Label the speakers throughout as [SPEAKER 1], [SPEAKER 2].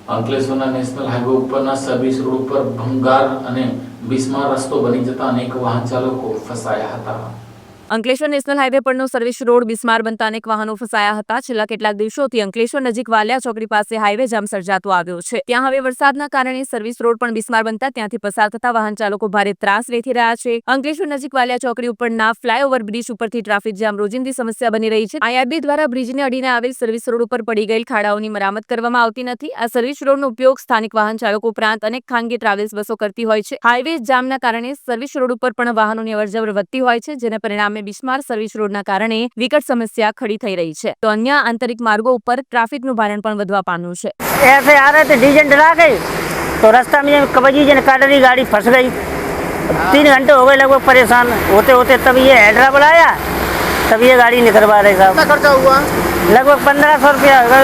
[SPEAKER 1] અંકલેશ્વરના national highway ઉપરના service road ઉપર ભંગાર અને બિસ્માર રસ્તો બની જતા અનેક વાહન ચાલકો ફસાયા હતા।
[SPEAKER 2] અંકલેશ્વર નેશનલ હાઈવે પરનો સર્વિસ રોડ બિસ્માર બનતા અનેક વાહનો ફસાયા હતા। છેલ્લા કેટલાક દિવસોથી અંકલેશ્વર નજીક વાલિયા ચોકડી પાસે હાઈવે જામ સર્જાતો આવ્યો છે। ત્યાં હવે વરસાદના કારણે સર્વિસ રોડ પણ બિસ્માર બનતા ત્યાંથી પસાર થતા વાહન ચાલકો ભારે ત્રાસ વેઠી રહ્યા છે। અંકલેશ્વર નજીક વાલિયા ચોકડી ઉપરના ફ્લાયઓવર બ્રિજ ઉપરથી ટ્રાફિક જામ રોજિંદી સમસ્યા બની રહી છે। આઈઆરબી દ્વારા બ્રિજને અડીને આવેલ સર્વિસ રોડ ઉપર પડી ગયેલ ખાડાઓની મરામત કરવામાં આવતી નથી। આ સર્વિસ રોડનો ઉપયોગ સ્થાનિક વાહન ચાલકો ઉપરાંત અનેક ખાનગી ટ્રાવેલ્સ બસો કરતી હોય છે। હાઈવે જામના કારણે સર્વિસ રોડ ઉપર પણ વાહનોની અવરજવર વધતી હોય છે, જેને પરિણામે બિસ્માર સર્વિસ રોડના કારણે વિકટ समस्या खड़ी થઈ રહી છે। તો અન્ય આંતરિક માર્ગો ઉપર ટ્રાફિકનું ભારણ પણ વધવા પામ્યું છે।
[SPEAKER 3] ऐसे आ रहे थे डीजल डला के, तो रास्ता में कबजी जन काट रही, गाड़ी फंस गई। 3 घंटे हो गए लगभग परेशान होते होते, तब ये हैदरा बुलाया, तब ये गाड़ी निकलवा रहे साहब।
[SPEAKER 4] कितना खर्चा हुआ?
[SPEAKER 3] लगभग 1500 रुपया होगा।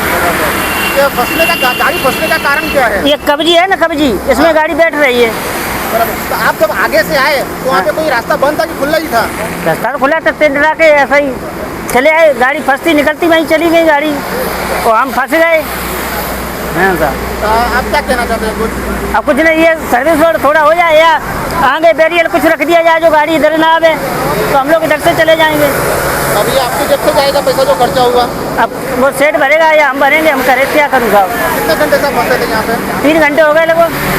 [SPEAKER 4] गाड़ी फंसने का कारण क्या है?
[SPEAKER 3] ये कबजी है ना, कबजी, इसमें गाड़ी बैठ रही है।
[SPEAKER 4] तो आप जब आगे से आए तो वहाँ पे कोई रास्ता बंद था कि खुला ही था?
[SPEAKER 3] रास्ता तो खुला था, तेल डला के ऐसा ही चले आए, गाड़ी फंसती निकलती वहीं चली गई गाड़ी, तो हम फंस गए। हाँ साहब,
[SPEAKER 4] तो आप क्या कहना चाहते हैं कुछ?
[SPEAKER 3] अब कुछ नहीं, ये सर्विस रोड थोड़ा हो जाए या आगे बैरियर कुछ रख दिया जाए जो गाड़ी इधर ना आवे, तो हम लोग इधर से चले जाएंगे।
[SPEAKER 4] अभी आपकी जेब से जाएगा पैसा जो खर्चा हुआ?
[SPEAKER 3] अब वो सेठ भरेगा या हम भरेंगे, हम करे क्या करूँ साहब।
[SPEAKER 4] कितने घंटे से फंसे थे यहाँ पे?
[SPEAKER 3] 3 घंटे हो गए लगभग।